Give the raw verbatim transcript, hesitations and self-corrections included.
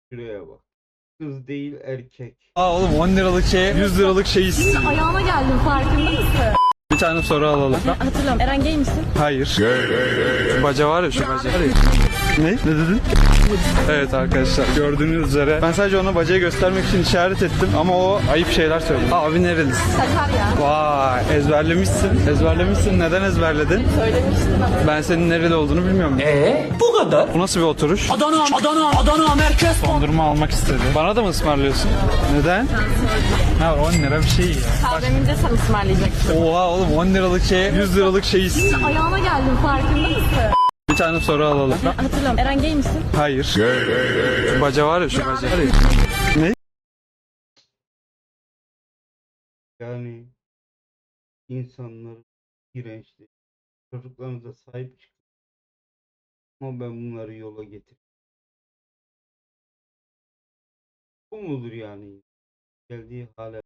Şuraya bak. Kız değil erkek. Aa oğlum on liralık şeye yüz liralık şey istiyor. Ayağına geldim, farkında mısın? Bir tane soru alalım. Hatırlıyorum. Eren gay misin? Hayır. Şu baca var ya, şu baca. Ne? Ne dedin? Evet arkadaşlar, gördüğünüz üzere ben sadece ona bacayı göstermek için işaret ettim ama o ayıp şeyler söyledi. Abi nerelisin? Sakarya. Vay, ezberlemişsin. Ezberlemişsin. Neden ezberledin? Söylemiştin ama. Ben senin nereli olduğunu bilmiyorum. Ee, bu kadar. Bu nasıl bir oturuş? Adana, Adana, Adana merkez. Dondurma almak istedi. Bana da mı ısmarlıyorsun? Neden? Ha on lira bir şey ya. Kahvemi de sen ısmarlayacaksın. Oha oğlum on liralık şeye yüz liralık şey istiyor. Ayağına geldim, farkında mısın? Bir tane soru alalım. Hatırlıyorum. Eren gay misin? Hayır. Şu baca var ya, şu baca. Ne? Yani insanların iğrençliği. Çocuklarınıza sahip çıkın. Ama ben bunları yola getir. Bu mudur yani? Geldiği hale.